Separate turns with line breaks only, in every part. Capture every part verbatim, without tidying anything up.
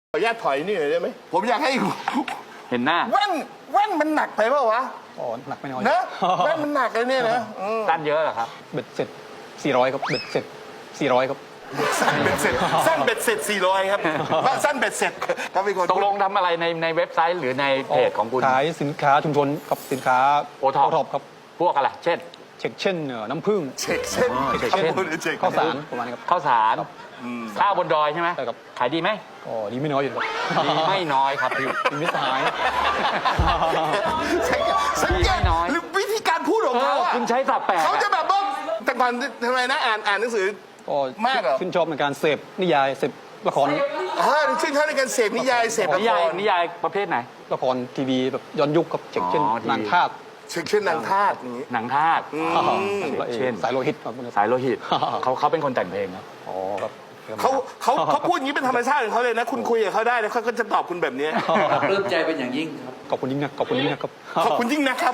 ขออนุญาตถอยนี่หน่อยได้ไหมผมอยากให้
เห็นหน้า
แว่นแว่นมันหนักไปเปล่าวะ
อ๋อหนักไม่น้อย
นะแว่นมันหนักเลยเนี่ยนะอืม
สั้นเยอะเหรอครับ
เบ็ดเสร็จสี่ร้อยครับเบ็ดเสร็จสี่ร้อยครับ
สั้นเบ็ดเสร็จสั้นเบ็ดเสร็จสี่ร้อยครับว่าสั้นเบ็ดเสร็จครับพี่คน
ตกลงทำอะไรในในเว็บไซต์หรือในเพจของคุณ
ขายสินค้าชุมชนกับสินค้า
โอท็อป
ท็อปครับ
พวกอะไร เช่น
เช็คเช่นเอ่อน้ำผึ้ง
เช็คเส้น
เช็ค
ครับ
เส้น
ผมเช็ค
ข้าวสารประมาณนี้ครับ
ข้าวสารข้าวบนดอยใช่ไหม
ใช่ครับ
ขายดีไหม
ก็ดีไม่น้อยอยู่ครับ
ดีไม่น้อยครับพี่
ดีไม่สหาย
สังเกตสังเกต
น้อย
หรือวิธีการพูดของ
เอ
เขา
อ
อะ
คุณใช้สับแปลก
เขาจะ
อะ
แบบว่าแต่ก่อนทำไมนะอ่านอ่านหนังสือ
ก็
มากเหรอ
ชื่นชอบในการเสพนิยายเสพละคร
อ่าชื่นชอบในการเสพนิยายเสพละ
นิ
ค
ยาย
ร
นิยายประเภทไหน
ละครทีวีแบบย้อนยุคกับเช็คเช่น
อ๋อทีวี
นางทาส
เช็คเช่นนางทาสอย่างนี้
หนังทาส
และเอ่อ
เช่น
สายโลหิตครับ
สายโลหิตเขาเขาเป็นคนแต่งเพลงครับ
อ๋อครับ
เขาเขาเขาพูดอย่างนี้เป็นธรรมชาติของเขาเลยนะ คุณคุยกับเขาได้แล้วเขาก็จะตอบคุณแบบนี้
ปลื้มใจเป็นอย่างยิ่งครับ
ขอบคุณยิ่งนักขอบคุณยิ่งนักครับ
ขอบคุณยิ่งนะครับ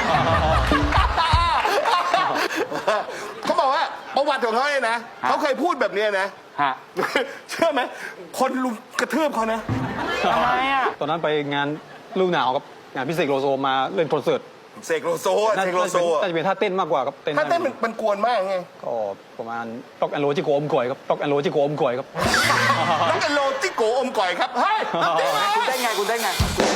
เขาบอกว่าประวัติของเขาเนี่ยนะ เขาเคยพูดแบบเนี้ยนะ
ฮะ
เชื่อไหม คนลุมกระทืบเขานะ
ทำไมอ่ะ
ตอนนั้นไปงานฤดูหนาวครับงานพิเศษโลโซมาเล่นคอนเสิร์ต
เสกโลโซอะ
น่า
เส
จะ
กโลโซอะ
น่าจะเป็นท่าเต้นมากกว่าครับเต้น
ถ้าเต้นมันมันกวนมากไง
ก็ประมาณต็อกแอนโลจิโกอมก่อยครับต็อกแอนโลจิโกอมก่อยครับ
น้องกันโลจิโกอมก่อยครับ เฮ้ยน้ำจิ้มมา
คุณได้ไงคุณได้ไง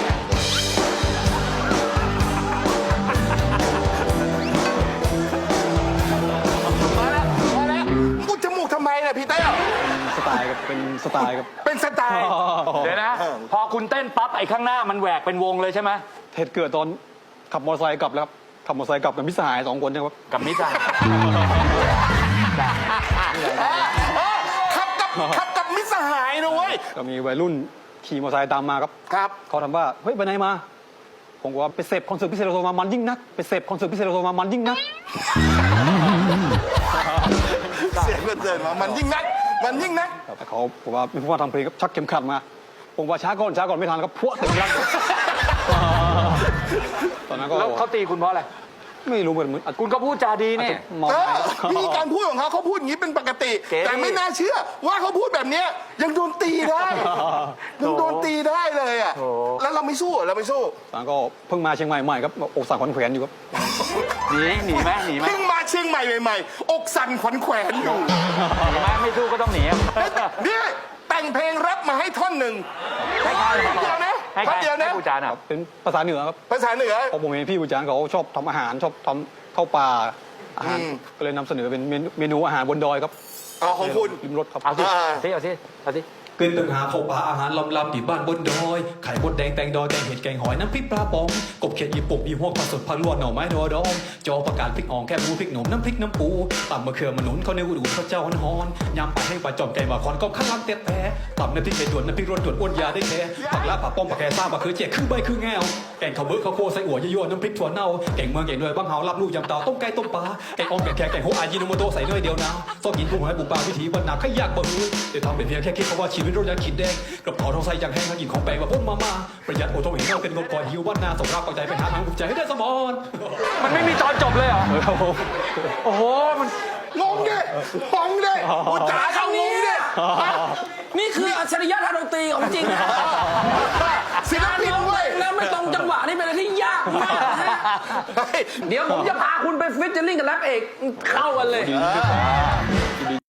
มาแล้วมาแล้วกูจมูกทำไมเนี่ยพี่เต้า
สไตล์ครับเป็นสไตล์ครับ
เป็นสไตล์
เดี๋ยวนะ พอคุณเต้นปั๊บไอ้ข้างหน้ามันแหวกเป็นวงเลยใช่ไหม
เหตุเกิดตอนขับมอเตอร์ไซค์กลับแล้วครับขับมอเตอร์ไซค์กลับกับมิตรสหายสองคนนะครับ
กับมิจฉา
ขับกับขับกับมิตรสหายนะเว้ย
ก็มีวัยรุ่นขี่มอเตอร์ไซค์ตามมาครับ
ครับ
เขาถามว่าเฮ้ยไปไหนมาผมบอกว่าไปเสพคอนเสิร์ตพิเศษโลโซมามันยิ่งนักไปเสพคอนเสิร์ตพิเศษโลโซมามันยิ่งนัก
เสียงเกินมามันยิ่งนัก มันยิ่งนัก
แต่เขาบอกว่าไม่พูดว่าทำเพลงครับชักเข็มขัดมาผมว่าช้าก่อนช้าก่อนไม่ทันครับพวดเต็มรังตอนนั้นก็
แล้วเขาตีคุณเพราะอะไร
ไม่รู้เหมือนเหมือน
คุณก็พูดจาดีนี่
เมา
เออวิธีการพูดของเขาเขาพูดอย่างนี้เป็นปกติ
เก๋
แต่ไม่น่าเชื่อว่าเขาพูดแบบเนี้ยยังโดนตีได้ยังโดนตีได้เลยอ่ะแล้วเราไม่สู้เหรอเราไม่สู้
ตอนนั้นก็เพิ่งมาเชียงใหม่ใหม่ครับอกสั่นขวัญแขวนอยู่ครับ
หนีหนีไหมหนีไหม
เพิ่งมาเชียงใหม่ใหม่ๆอกสั่นขวัญแขวนอยู่
หนีไหมไม่สู้ก็ต้องหนี
นี่แต่งเพลงแรปมาให้ท่อนหนึ่ง
ให้ใคร
ท่อนเดียวนะ
ให้ใค
ท่
ร
อนเดียว
ให้
นะ
ผู้จานอ่ะ
เป็นภาษาเหนือครับ
ภาษาเหนือ
เพราะผมเห็นพี่ผู้จานเขาชอบทำอาหารชอบทำข้าวปลาอาหาร
อืม
ก็เลยนำเสนอเป็นเมนูเมนูอาหารบนดอยครับ
อ๋อของคุณ
ริมรถครับ
เอาสิ
อ่า
เอาสิเอาสิเอาสิ
เกินตึงหาเข้าป่าอาหารลำลำที่บ้านบนดอยไข่มดแดงแตงดอยแกงเห็ดแกงหอยน้ำพริกปลาปองกบเขียดอีปกอีหัวผักสดผักลวกหน่อไม้ดอดองจอประกาศพริกอ่องแค่หมูพริกหนุ่มน้ำพริกน้ำปูตำมะเขือมะหนุนข้าวเหนียวอูดข้าวเจ้าฮ้อนๆยำปลาให้ปลาจอมไก่บาคอนก็ข้าวลำเต็ดแท้ตำน้ำพริกเห็ดด่วนน้ำพริกรสด่วนอ้วนยาได้แท้ผักละผักป้อมผักแกซ่าผักคือเจี๊ยคือใบคือแงวแกงข้าวเบื้อข้าวโพดใส่อั่วยั่วๆน้ำพริกถั่วเน่าแกงเมืองแกงด้วยบ้างเฮาลับลูกยำเตาต้มไก่ต้มปลาแกงอ่อมแกงแขกแกงโฮอายิโนโมโตะใส่เนยเดียวนะซอกกินกุ้งหอยปูปลาวิถีวันหนักขยากบ่หือเดี๋ยวทำเป็นเพียงแค่คิดเพราะว่าชีวิตเราอยากขีดแดงกระเป๋าทองใส่อย่างแห้งทั้งกินของแปลงว่าพุ่มมามาประหยัดโอทงเห็นเงาเป็นงบก่อนหิววันนาส่งรักปักใจไปหาทางภูมิใจให้ได้สมอน
มันไม่มีตอนจบเลยเหรอ โอ้โห มัน
งงดิปองดิอุจจาเขางงดิ
นี่คืออัจฉริยะทางดนตรีของจริงนะ
ศิลปินเว้ย
แล้วไม่ตรงจังหวะนี่เป็นอะไรที่ยากมากนะฮะ
เฮ้ย
เดี๋ยวผมจะพาคุณไปฟิชเจอริ่งกับแรปเอกเข้ากันเลย
ดี